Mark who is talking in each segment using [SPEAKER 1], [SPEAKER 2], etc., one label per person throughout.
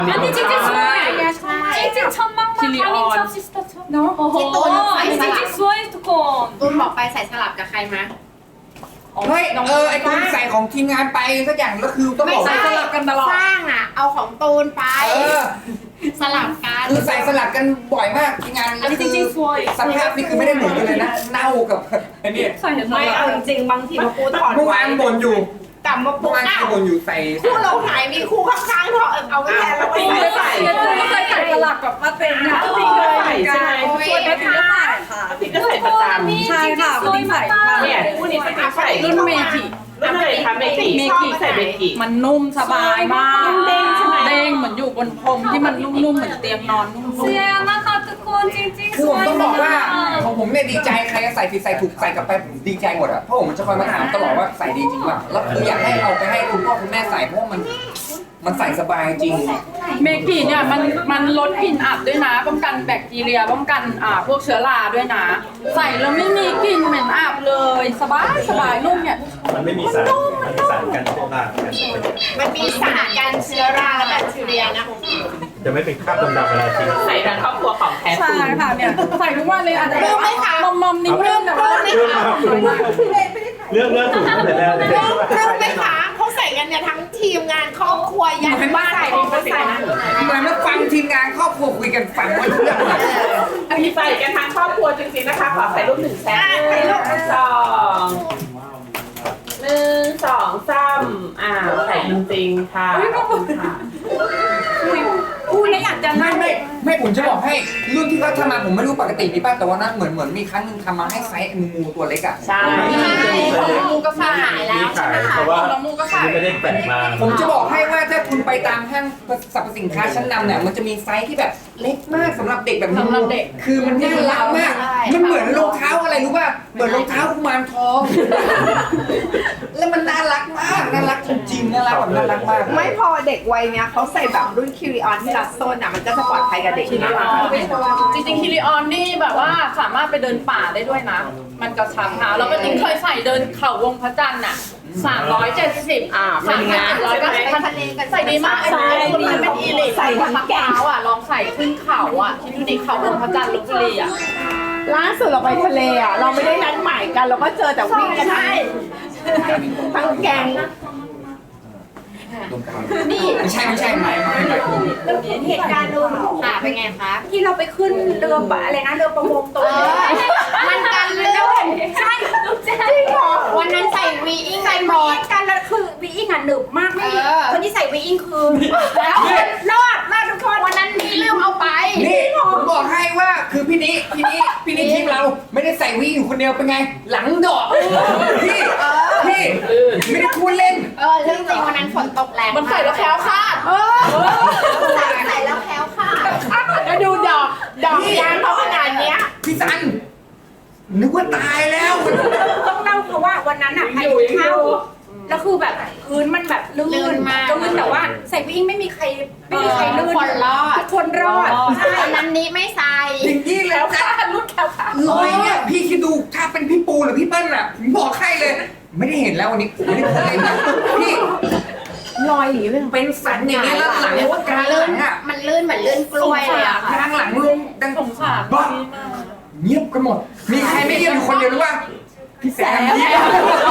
[SPEAKER 1] 아니 찡찡 수아이 찡찡 천막만 가민 첩 시스터 첩 너? 아니 찡찡 수아이 투콘
[SPEAKER 2] ตูนบอกไปใส่สลับกับใครมา
[SPEAKER 3] เฮ้ยไอ้ตูนใส่ของทีมงานไปสักอย่างแล้วคือต้องบอก
[SPEAKER 2] ไม่
[SPEAKER 3] ว่า
[SPEAKER 2] ใช่
[SPEAKER 3] สลับกันตลอด
[SPEAKER 2] สร้างอ่ะ เอาของตูนไป สลับกัน
[SPEAKER 3] คือใส่สลับกันบ่อยมากทีมงานแล้ว
[SPEAKER 1] 아니
[SPEAKER 3] คือ
[SPEAKER 1] 찡찡 수아이
[SPEAKER 3] สภาพนี่คือไม่ได้เหมือนกันเลยนะเน่ากับไอ้นี่
[SPEAKER 4] ไม่เอาจริงๆบางทีมาปูถอด
[SPEAKER 3] เมื่อวานบ่นอยู่
[SPEAKER 4] กลับมาปู
[SPEAKER 3] เมื่อวาน
[SPEAKER 4] เน่า
[SPEAKER 3] บ่นอยู่ใส่
[SPEAKER 4] คู่เราหายมีคู่ข้างๆเถอะเอาไว้แทนเราไม่ใส่
[SPEAKER 5] ก็เคยใส่สลักกับป้าเต็งค่ะ
[SPEAKER 4] พี่เคยใส่ใช่ไหม
[SPEAKER 5] ช่วยป้าเต็งก็ใส่ค่ะ
[SPEAKER 4] พี่ก็ใส่ประจ
[SPEAKER 1] 아니
[SPEAKER 5] 잘
[SPEAKER 1] 찡찡
[SPEAKER 5] 가,
[SPEAKER 1] 수아이
[SPEAKER 5] 잘 가.
[SPEAKER 1] 맞다
[SPEAKER 4] เนี่ยคู่นี้เป็นใส่
[SPEAKER 5] รุ่นเมจิ
[SPEAKER 4] รุ่นอะไรคะเมจิชอบใส่เมจิ
[SPEAKER 5] มันนุ่มสบายมาก
[SPEAKER 4] เด้งใช่ไหม
[SPEAKER 5] เด้งเหมือนอยู่บนพรมที่มันนุ่มๆเหมือนเตียงนอนนุ่ม
[SPEAKER 1] 수야 나카 투콘 찡찡
[SPEAKER 3] คือผม
[SPEAKER 1] 수아이
[SPEAKER 3] ต้องบอกว่า
[SPEAKER 1] 맞다
[SPEAKER 3] ของผมเนี่ยดีใจใครจะใส่ผิดใส่ถูกใส่กลับไปผมดีใจหมดอะเพราะผมจะคอยมาถามตลอดว่าใส่ดีจริงป่ะแล้วคืออยากให้เอาไปให้คุณพ่อคุณแม่ใส่เพราะว่ามันใส่สบายจริง
[SPEAKER 5] เมกิเนี่ยมันลดกลิ่นอับด้วยนะ ป้องกันแบคทีเรียป้องกันพวกเชื้อราด้วยนะ ใส่แล้วไม่มีกลิ่นเหม็นอับเลยสบายนุ่มเนี่ย
[SPEAKER 6] มันไม่มีสารกันเชื้อรา
[SPEAKER 2] มันมีสารกันเชื้อราและแบคทีเรียนะ
[SPEAKER 6] จะไม่เป็นคราบดำๆเวลาทิ้ง
[SPEAKER 4] ใส่ทั้งครอบครัวของแท้
[SPEAKER 5] ใช่
[SPEAKER 4] ตูน
[SPEAKER 5] ค่ะเนี่ยใส่ทุกวันเลยอาจจะ
[SPEAKER 2] รู้ไหมคะ
[SPEAKER 5] มอมๆนิดนึงแต่ว่า
[SPEAKER 6] เรื่องถูกตั้งแต่แรกเลย
[SPEAKER 2] รู้ไหมคะเขาใส่กันเนี่ยทั้งทีมงานครอบครัวยันบ้านเขาก็ใส่นะ
[SPEAKER 3] เหมือนมาฟังทีมงานครอบครัวคุยกันฟังว่าเรื่องอะไร
[SPEAKER 4] อันนี้ใส่กันทั้งครอบครัวจริงๆนะคะขอใส่รูปหนึ่งแซะใส่รูปสอง1 2 3ใส่จริงๆค่ะขอบคุณค่ะ
[SPEAKER 5] พูดแล้วอยากจะ
[SPEAKER 3] ไม่ผมจะบอกให้รุ่นที่เขาทำมาผมไม่รู้ปกติมีป่ะแต่ว่านั้นเหมือนมีครั้งหนึงทำมาให้ไซส์งูตัวเล็กอ่ะ
[SPEAKER 4] ใช่
[SPEAKER 2] ของมูก็ขายแล้ว
[SPEAKER 6] มี
[SPEAKER 2] ใช่
[SPEAKER 6] ขาย
[SPEAKER 2] ไหมคะ
[SPEAKER 6] เพราะว่าไม่ได้แปะมา
[SPEAKER 3] ผมจะบอกให้ว่าถ้าคุณไปตามห้างสรรพสินค้าชั้นนำเนี่ยมันจะมีไซส์ที่แบบเล็กมากสำหรับเด็กแบบนี้
[SPEAKER 5] สำหรับเด็ก
[SPEAKER 3] คือมันน่ารักมาก มันเหมือนรองเท้าอะไรรู้ป่ะเหมือนรองเท้ากุมารทอง แล้วมันน่ารักมากน่ารักจริงๆน่ารักแบบน่ารักมาก
[SPEAKER 4] ไม่พอเด็กวัยเนี้ยเขาใส่แบบรุ่นคิริออนที่รัดโซนอ่ะมันก็จะปลอดภัยกับเด็กนะคะ
[SPEAKER 5] จริงๆคิริออนนี่แบบว่าสามารถไปเดินป่าได้ด้วยนะ มันกระชับเท้าแล้วก็จริงเคยใส่เดินเขาวงพระจันทร์อ่ะ370
[SPEAKER 4] เป็นไง
[SPEAKER 5] 3,790ใส่ดีมากไอ้คนมันเป็นอีลิทใส่ทั้งเท้าอ่ะลองใส่ขึ้นเขาอ่ะคิดดูดิเขาวงพระจันทร์ลพบุรีอ่ะ
[SPEAKER 4] ล่าสุดเราไปทะเลอ่ะเราไม่ได้นัดหมายกันเราก็เจอแต่วิ่งกันทั้งแก๊ง
[SPEAKER 2] นี่
[SPEAKER 3] ไม่ใช่ไม่ไม่
[SPEAKER 2] เหตุการณ์นู้นค่ะเป็นไงคะ
[SPEAKER 7] ที่เราไปขึ้นเรืออะไรนะเรือประมงตัว
[SPEAKER 2] มันกันลื่นใช่จริงเหรอวันนั้นใส่วีอิงใส่หมด
[SPEAKER 7] กันแล้วคือวีอิงอ่ะหนึบมากไม่มี คนที่ใส่วีอิงคือแล้วรอดทุกคน
[SPEAKER 2] วันนั้นมีลืมเอาไป
[SPEAKER 3] นี่ผมบอกให้ว่าคือพี่นี้ทีมเราไม่ได้ใส่วีอยู่คนเดียวเป็นไง หลังดอกพี่ไม่ได้พูดเล่น
[SPEAKER 2] เรื่องจริงวันนั้นฝนตกแรง
[SPEAKER 5] มันใส่แล้วแคล้วคลาด
[SPEAKER 2] ใส่แล้วแคล้วค่ะ
[SPEAKER 4] แล้วดูดอกยางเขาขนาดเนี้ย
[SPEAKER 3] พี่ซันนึกว่าตายแล้ว
[SPEAKER 7] ต้องเล่าเพราะว่าวันนั้นอ่ะใครเข้าแล้วคือแบบพื้นมันแบบลื่นมากแต่ว่าใส่วีอิงไม่มีใครลื่น
[SPEAKER 2] คนรอด
[SPEAKER 7] ทุกคนรอดใช่
[SPEAKER 2] วันนั้นนี้ไม่ใส่
[SPEAKER 3] อย่างนี้เลยนะ
[SPEAKER 5] รุ่นแคล้วคลาด
[SPEAKER 3] รอยเนี่ยพี่คิดดูถ้าเป็นพี่ปูหรือพี่เปิ้ลอ่ะผมบอกให้เลย ไม่ได้เห็นแล้ววันนี้ผมไม่ได้พูดเล่นนะพี่
[SPEAKER 4] รอยหรือเป็น
[SPEAKER 3] เป็นสันอย่างนี้แล้วหลังว่ากลางหลังอ่ะ
[SPEAKER 2] มันลื่นเหมือนลื่นกล้วยเลยอะ
[SPEAKER 3] ก
[SPEAKER 2] ค่ะ
[SPEAKER 3] ลางหลังลงดัง
[SPEAKER 5] สงสาร
[SPEAKER 3] บ้าเงียบกันหมด มีใครไม่เงียบอยู่คนเดียวหรือว่าพี่แซมยิ้ม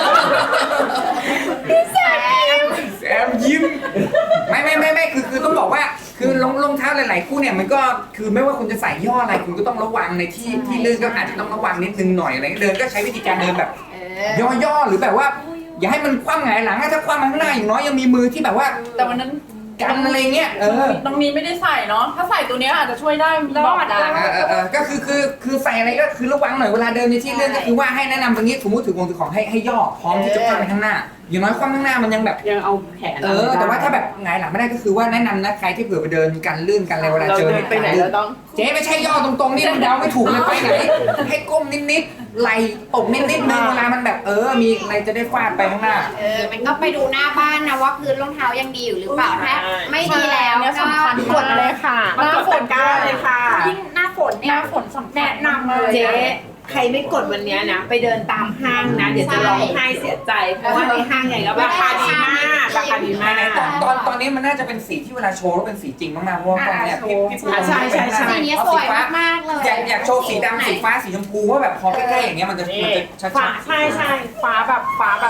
[SPEAKER 3] แซมยิ้มไม่คือต้องบอกว่าคือรองเท้าหลายๆคู่เนี่ยมันก็คือไม่ว่าคุณจะใส่ย่ออะไรคุณก็ต้องระวังในที่ลื่นก็อาจจะต้องระวังนิดนึงหน่อยอะไรเดินก็ใช้วิธีการเดินแบบ ย่อหรือแบบว่า อย่าให้มันคว่ำหงายหลังถ้าคว่ำมาข้างหน้าอย่างน้อยยังมีมือที่แบบว่า
[SPEAKER 5] แต่วันนั้น
[SPEAKER 3] กันอะไรเงี้ย
[SPEAKER 5] น้องนี้ไม่ได้ใส่เนาะถ้าใส่ตัวเนี้ยอาจจะช่วยได้บอกได้
[SPEAKER 3] ก็คือใส่อะไรก็คือระวังหน่อยเวลาเดินในที่เลื่อนก็คือว่าให้แนะนำตรงนี้สมมติถือของให้ย่อพร้อมที่จะคว่ำไปข้างหน้าอย่างน้อยคว่ำข้างหน้ามันยังแบบ
[SPEAKER 4] ยังเอาแขน
[SPEAKER 3] แต่ว่าถ้าแบบหงายหลังไม่ได้ก็คือว่าแนะนำนะใครที่เผื่อไปเดินกันลื่นกันอะไรเวลา
[SPEAKER 4] เรา
[SPEAKER 3] เจอ
[SPEAKER 4] เดินไปไหนเราต้อง
[SPEAKER 3] เจ๊ไม่ใช่ย่อตรงๆนี่เดาไม่ถูกเลยไปไหนให้ก้มนิดๆไหลตกนิดๆนึงเวลามันแบบมีอะไรจะได้ฟาดไปข้างหน้า
[SPEAKER 2] มันก็ไปดูหน้าบ้านนะว่าพื้นรองเท้ายังดีอยู่หรือเปล่าถ้าไม่ดีแล้ว
[SPEAKER 5] เนี่ย
[SPEAKER 2] ก็
[SPEAKER 5] สำคัญ
[SPEAKER 4] กดเลยค่ะมากดตะกร้าเลยค่ะ
[SPEAKER 7] ยิ่งหน้าฝนเนี่ย
[SPEAKER 5] หน้าฝนสำคัญ
[SPEAKER 7] แนะนำเลย
[SPEAKER 4] เจ๊ใครไม่กดวันเนี้ยนะ ไปเดินตามห้างนะ เดี๋ยวจะร้องไห้เสียใจ เพราะว่าในห้างใหญ่ก็ราคาดีมากราคาดีมาก
[SPEAKER 3] ตอนนี้มันน่าจะเป็นสีที่เวลาโชว์แล้วเป็นสีจริงมากๆเพราะว่าตอนเนี้ยพี่ปู
[SPEAKER 4] ใช่
[SPEAKER 2] สีนี้สวยมากๆเลย
[SPEAKER 3] อยากโชว์สีดำสีฟ้าสีชมพูว่าแบบพอใกล้ๆอย่างเงี้ยมันจะชัด
[SPEAKER 4] ใช่ฟ้าแบบ